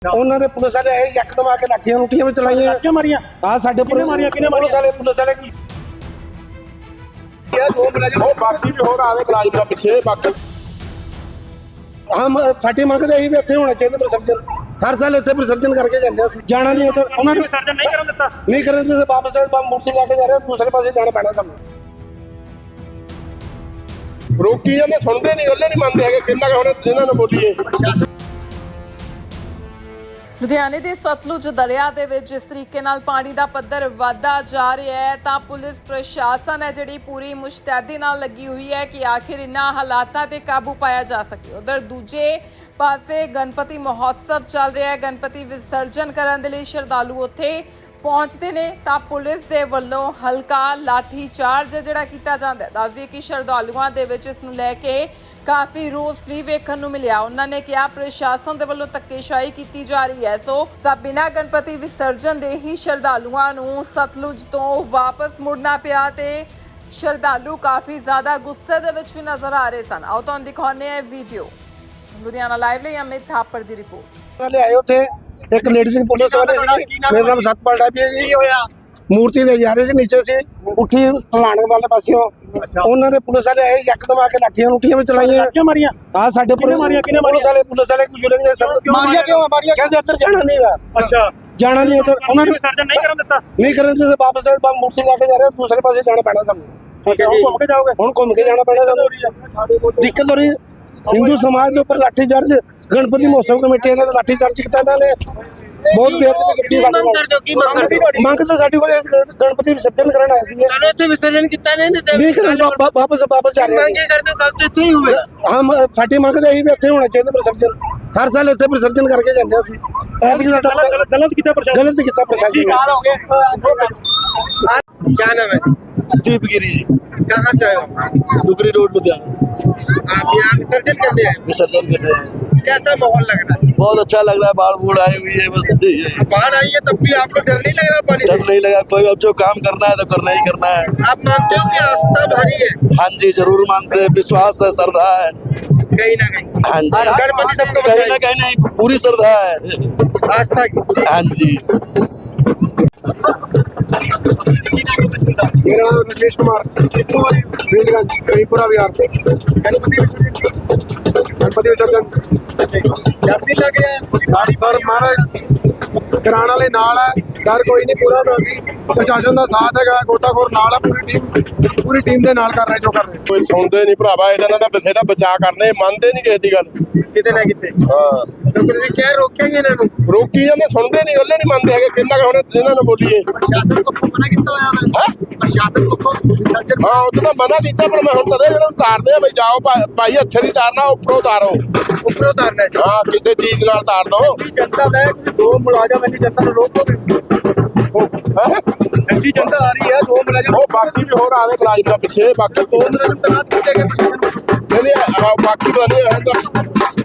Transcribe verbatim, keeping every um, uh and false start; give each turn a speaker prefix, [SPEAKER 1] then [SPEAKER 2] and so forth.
[SPEAKER 1] ਉਹਨਾਂ ਦੇ ਪੁਲਿਸ ਵਾਲੇ ਆਏ ਯਕਦਮ ਆ ਕੇ ਲਾਠੀਆਂ ਲੁੱਟੀਆਂ ਵੀ ਚਲਾਈਆਂ
[SPEAKER 2] ਲਾਠੀਆਂ ਮਾਰੀਆਂ
[SPEAKER 1] ਆ ਸਾਡੇ
[SPEAKER 2] ਕਿਹਨੇ ਮਾਰੀਆਂ ਕਿਹਨੇ
[SPEAKER 1] ਪੁਲਿਸ ਵਾਲੇ ਪੁਲਿਸ ਵਾਲੇ
[SPEAKER 3] ਇਹ ਦੋ ਮੁਲਾਜ਼ਮ ਉਹ ਬਾਕੀ ਵੀ ਹੋਰ ਆਵੇ ਮੁਲਾਜ਼ਮ ਦਾ ਪਿੱਛੇ ਬਾਕੀ
[SPEAKER 1] ਹਮ ਸਾਡੀ ਮੰਗਦੇ ਇਹੀ ਵੀ ਇੱਥੇ ਹੋਣਾ ਚਾਹੀਦਾ ਵਿਸਰਜਨ ਹਰ ਸਾਲ ਇੱਥੇ ਵਿਸਰਜਨ ਕਰਕੇ ਜਾਂਦੇ ਸੀ ਜਾਣਾ ਨਹੀਂ ਇੱਥੇ ਉਹਨਾਂ ਨੇ
[SPEAKER 2] ਵਿਸਰਜਨ ਨਹੀਂ ਕਰਨ ਦਿੱਤਾ
[SPEAKER 1] ਨਹੀਂ ਕਰਨ ਦਿੱਤੇ ਵਾਪਸ ਮੂਰਤੀ ਲੈ ਕੇ ਜਾ ਰਹੇ ਦੂਸਰੇ ਪਾਸੇ ਜਾਣਾ ਪੈਣਾ ਸਾਨੂੰ
[SPEAKER 3] ਰੋਕੀ ਜਾਂਦੇ ਸੁਣਦੇ ਨਹੀਂ ਗੱਲੇ ਨਹੀਂ ਮੰਨਦੇ ਹੈਗੇ ਕਿੰਨਾ ਕੁ ਹੁਣ ਇਹਨਾਂ ਨੂੰ ਬੋਲੀਏ।
[SPEAKER 4] ਲੁਧਿਆਣੇ ਦੇ ਸਤਲੁਜ ਦਰਿਆ ਦੇ ਵਿੱਚ ਜਿਸ ਤਰੀਕੇ ਨਾਲ ਪਾਣੀ ਦਾ ਪੱਧਰ ਵਧਦਾ ਜਾ ਰਿਹਾ ਹੈ ਤਾਂ ਪੁਲਿਸ ਪ੍ਰਸ਼ਾਸਨ ਹੈ ਜਿਹੜੀ ਪੂਰੀ ਮੁਸ਼ਤੈਦੀ ਨਾਲ ਲੱਗੀ ਹੋਈ ਹੈ ਕਿ ਆਖਿਰ ਇਨ੍ਹਾਂ ਹਾਲਾਤਾਂ ਤੇ ਕਾਬੂ ਪਾਇਆ ਜਾ ਸਕੇ। ਉਧਰ ਦੂਜੇ ਪਾਸੇ ਗਣਪਤੀ ਮਹੋਤਸਵ ਚੱਲ ਰਿਹਾ ਹੈ। ਗਣਪਤੀ ਵਿਸਰਜਨ ਕਰਨ ਦੇ ਲਈ ਸ਼ਰਧਾਲੂ ਉੱਥੇ ਪਹੁੰਚਦੇ ਨੇ ਤਾਂ ਪੁਲਿਸ ਦੇ ਵੱਲੋਂ ਹਲਕਾ ਲਾਠੀ ਚਾਰਜ ਜਿਹੜਾ ਕੀਤਾ ਜਾਂਦਾ ਹੈ। ਦੱਸਦੀਏ ਕਿ ਸ਼ਰਧਾਲੂਆਂ ਦੇ ਵਿੱਚ ਇਸ ਨੂੰ ਲੈ ਕੇ ਕਾਫੀ ਰੋਸ ਵੀ ਵੇਖਣ ਨੂੰ ਮਿਲਿਆ। ਉਹਨਾਂ ਨੇ ਕਿਹਾ ਪ੍ਰਸ਼ਾਸਨ ਦੇ ਵੱਲੋਂ ਧੱਕੇਸ਼ਾਹੀ ਕੀਤੀ ਜਾ ਰਹੀ ਹੈ। ਸੋ ਬਿਨਾਂ ਗਣਪਤੀ ਵਿਸਰਜਨ ਦੇ ਹੀ ਸ਼ਰਧਾਲੂਆਂ ਨੂੰ ਸਤਲੁਜ ਤੋਂ ਵਾਪਸ ਮੁੜਨਾ ਪਿਆ ਤੇ ਸ਼ਰਧਾਲੂ ਕਾਫੀ ਜ਼ਿਆਦਾ ਗੁੱਸੇ ਦੇ ਵਿੱਚ ਵੀ ਨਜ਼ਰ ਆ ਰਹੇ ਸਨ। ਆਓ ਤੁਹਾਨੂੰ ਦਿਖਾਉਂਦੇ ਹਾਂ ਵੀਡੀਓ। ਲੁਧਿਆਣਾ ਲਾਈਵ ਲਈ ਅਮਿਤ ਥਾਪੜ ਦੀ ਰਿਪੋਰਟ।
[SPEAKER 1] ਵਾਲੇ ਆਏ ਉੱਥੇ ਇੱਕ ਲੇਡੀ ਸੀ ਪੁਲਿਸ ਵਾਲੇ ਸੀ ਮੇਰਾ ਨਾਮ ਸਤਪਾਲ ਡਾਬੀ ਹੈ ਜੀ ਮੂਰਤੀ ਲੈ ਜਾ ਰਹੇ ਸੀ ਨੀਚੇ ਸੀ ਉੱਠੀ ਢਲਾਣ ਵਾਲੇ ਪਾਸਿਓਂ ਉਹਨਾਂ ਦੇ ਪੁਲਿਸ ਵਾਲੇ ਆਏ ਯਕਦਮ ਆ ਕੇ ਲਾਠੀਆਂ ਲੁੱਟੀਆਂ ਵੀ ਚਲਾਈਆਂ
[SPEAKER 2] ਲਾਠੀਆਂ ਮਾਰੀਆਂ
[SPEAKER 1] ਆ ਸਾਡੇ
[SPEAKER 2] ਕਿਹਨੇ ਮਾਰੀਆਂ ਕਿਹਨੇ
[SPEAKER 1] ਪੁਲਿਸ ਵਾਲੇ ਪੁਲਿਸ ਵਾਲੇ ਬਜ਼ੁਰਗ ਦੇ ਸਭ
[SPEAKER 3] ਮਾਰੀਆਂ ਕਿਉਂ ਮਾਰੀਆਂ
[SPEAKER 1] ਕਹਿੰਦੇ ਅੰਦਰ ਜਾਣਾ ਨਹੀਂਗਾ
[SPEAKER 2] ਅੱਛਾ
[SPEAKER 1] ਜਾਣਾ ਨਹੀਂ ਇੱਧਰ ਉਹਨਾਂ ਨੇ
[SPEAKER 2] ਵਿਸਰਜਨ ਨਹੀਂ ਕਰਨ ਦਿੱਤਾ
[SPEAKER 1] ਨਹੀਂ ਕਰਨ ਦਿੱਤੇ ਵਾਪਸ ਮੂਰਤੀ ਲੈ ਕੇ ਜਾ ਰਹੇ ਦੂਸਰੇ ਪਾਸੇ ਜਾਣਾ ਪੈਣਾ ਸਾਨੂੰ
[SPEAKER 2] ਠੀਕ ਹੈ ਹੁਣ ਘੁੰਮ ਕੇ ਜਾਓਗੇ
[SPEAKER 1] ਹੁਣ ਘੁੰਮ ਕੇ ਜਾਣਾ ਪੈਣਾ ਸਾਨੂੰ ਦਿੱਕਤ ਹੋ ਰਹੀ ਹਿੰਦੂ ਸਮਾਜ ਦੇ ਉੱਪਰ ਲਾਠੀ ਚਾਰਜ ਗਣਪਤੀ ਮਹੋਤਸਵ ਕਮੇਟੀ ਇਹਨਾਂ ਦਾ ਲਾਠੀ ਚਾਰਜ ਕੀਤਾ ਇਹਨਾਂ ਨੇ ਬਹੁਤ ਬੇਅਦਬੀ ਕੀਤੀ ਸਾਡੇ ਨਾਲ ਮੰਗ ਤਾਂ ਸਾਡੀ ਕੋਲ ਗਣਪਤੀ ਵਿਸਰਜਨ ਕਰਨ ਆਏ ਸੀ
[SPEAKER 5] ਇੱਥੇ ਵਿਸਰਜਨ ਕੀਤਾ ਨਹੀਂ
[SPEAKER 1] ਨਹੀਂ ਕਰਨ ਵਾਪਸ ਵਾਪਸ ਜਾ ਰਹੇ ਸੀ
[SPEAKER 5] ਕਰਦੇ ਕੱਲ ਤੇ ਇੱਥੇ ਹੀ ਹੋਵੇ
[SPEAKER 1] ਹਮ ਸਾਡੀ ਮੰਗ ਤਾਂ ਇਹੀ ਵੀ ਇੱਥੇ ਹੋਣਾ ਚਾਹੀਦਾ ਵਿਸਰਜਨ ਹਰ ਸਾਲ ਇੱਥੇ ਵਿਸਰਜਨ ਕਰਕੇ ਜਾਂਦੇ ਸੀ ਐਤਕੀ ਸਾਡਾ
[SPEAKER 2] ਗਲਤ ਕੀਤਾ ਪ੍ਰਸ਼ਾਸਨ
[SPEAKER 1] ਗਲਤ ਕੀਤਾ ਪ੍ਰਸ਼ਾਸਨ ਨੇ
[SPEAKER 5] क्या नाम है
[SPEAKER 6] दीपगिरी जी
[SPEAKER 5] कहाँ से आए हो
[SPEAKER 6] डुगरी रोड लुधियाना
[SPEAKER 5] आप यहाँ विसर्जन करने आए
[SPEAKER 6] विसर्जन कर रहे हैं।
[SPEAKER 5] कैसा माहौल लग रहा है
[SPEAKER 6] बहुत अच्छा लग रहा है बाढ़ बूढ़ आई हुई है बस यही।
[SPEAKER 5] बाढ़ आई है तब भी आपको डर नहीं लग रहा पानी
[SPEAKER 6] डर
[SPEAKER 5] से?
[SPEAKER 6] नहीं लगा कोई अब जो काम करना है तो करना ही करना है।
[SPEAKER 5] आप मानते हो कि आस्था भारी है
[SPEAKER 6] हाँ जी जरूर मानते हैं विश्वास है श्रद्धा है
[SPEAKER 5] कहीं ना कहीं
[SPEAKER 6] हाँ जी
[SPEAKER 5] गणपति सबको
[SPEAKER 6] कहीं ना
[SPEAKER 5] बचाइए।
[SPEAKER 6] कहीं नहीं पूरी श्रद्धा है
[SPEAKER 5] आस्था की
[SPEAKER 6] हाँ जी।
[SPEAKER 1] मेरा नाम राजेश कुमार फील्डगंज करीपुरा बिहार
[SPEAKER 5] गणपति विसर्जन
[SPEAKER 1] गणपति विसर्जन
[SPEAKER 5] डर नहीं लग रहा है
[SPEAKER 1] ਡਰ ਸਰ ਮਹਾਰਾਜ ਕਰਾਣ ਵਾਲੇ ਨਾਲ ਹੈ ਡਰ ਕੋਈ ਨਹੀਂ ਪੂਰਾ ਬਾਕੀ ਪ੍ਰਸ਼ਾਸਨ ਦਾ ਸਾਥ ਹੈਗਾ ਗੋਤਾਖੋਰ ਨਾਲ ਹੈ ਪੂਰੀ ਟੀਮ ਪੂਰੀ ਟੀਮ ਦੇ ਨਾਲ ਕਰ ਰਹੇ ਜੋ ਕਰ ਰਹੇ
[SPEAKER 3] ਕੋਈ ਸੁਣਦੇ ਨਹੀਂ ਭਰਾਵਾ ਇਹਨਾਂ ਦਾ ਬਸੇ ਦਾ ਬਚਾਅ ਕਰਨੇ ਮੰਨਦੇ ਨਹੀਂ ਕਿਸੇ ਦੀ ਗੱਲ
[SPEAKER 5] कितने ना कितने
[SPEAKER 3] ਹਾਂ
[SPEAKER 5] तो फिर क्या रोकेंगे इन्होंने
[SPEAKER 3] ਰੋਕੀ ਜਾਂਦੇ ਸੁਣਦੇ ਨਹੀਂ ਗੱਲੇ ਨਹੀਂ ਮੰਨਦੇ ਹੈਗੇ ਕਿੰਨਾ ਕੁ ਹੁਣ ਇਹਨਾਂ ਨੂੰ ਬੋਲੀਏ।
[SPEAKER 5] प्रशासन को मना किया हुआ है
[SPEAKER 3] ਹੈਂ
[SPEAKER 5] प्रशासन को विसर्जन
[SPEAKER 3] ਹਾਂ ਉਹ ਤਾਂ ਮਨਾ ਕੀਤਾ ਪਰ ਮੈਂ ਹੁਣ ਤਦੇ ਇਹਨਾਂ ਨੂੰ ਤਾਰਦੇ ਆ ਬਈ ਜਾਓ ਭਾ- ਭਾਈ ਇੱਥੇ ਨਹੀਂ ਤਾਰਨਾ ਉੱਪਰੋਂ ਤਾਰੋ
[SPEAKER 5] ऊपर उतारना है
[SPEAKER 3] ਹਾਂ ਕਿਸੇ ਚੀਜ਼ ਨਾਲ ਤਾਰ ਦੋ
[SPEAKER 5] जनता है कि दो मुलाजिम इतनी जनता को रोकोगे ठंडी जनता आ रही है दो मुलाजिम
[SPEAKER 3] ਉਹ ਬਾਕੀ ਵੀ ਹੋਰ ਆਵੇ ਮੁਲਾਜ਼ਮ ਦਾ ਪਿੱਛੇ ਬਾਕੀ
[SPEAKER 5] दो मुलाजिम तैनात किए गए प्रशासन को
[SPEAKER 3] ਨਹੀਂ ਨਹੀਂ ਆਹ ਬਾਕੀ ਤਾਂ ਨਹੀਂ ਹੈ ਤਾਂ